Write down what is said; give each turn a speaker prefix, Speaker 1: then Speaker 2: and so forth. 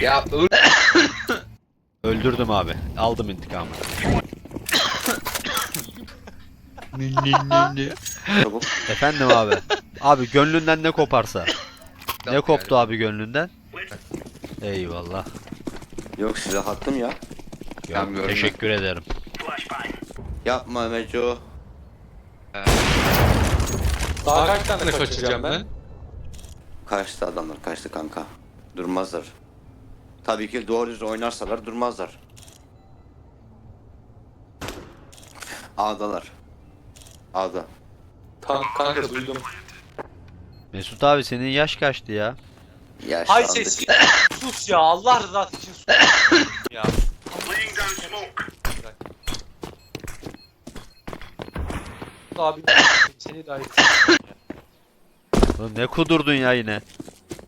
Speaker 1: Ya
Speaker 2: Öldürdüm abi. Aldım intikamı.
Speaker 3: Çabuk.
Speaker 2: Efendim abi. Abi gönlünden ne koparsa. Ne koptu
Speaker 1: yani.
Speaker 2: abi gönlünden? Eyvallah.
Speaker 3: Yok silah attım ya.
Speaker 2: Yok,
Speaker 1: Tamam, gördüm
Speaker 2: teşekkür ederim.
Speaker 3: Yapma Meco.
Speaker 4: Daha kaç tane kaçıracağım ben?
Speaker 3: Kaçtı adamlar, kaçtı kanka. Durmazlar. Tabii ki doğru düz oynarsalar durmazlar. A'dalar. A'da.
Speaker 4: Tamam kanka duydum.
Speaker 2: Mesut abi senin yaş kaçtı ya?
Speaker 4: Hay
Speaker 3: Yaşlandık.
Speaker 4: ses. Sus ya Allah rızası için sus. Ya. Abi seni dahi.
Speaker 2: Oğlum ne kudurdun ya yine?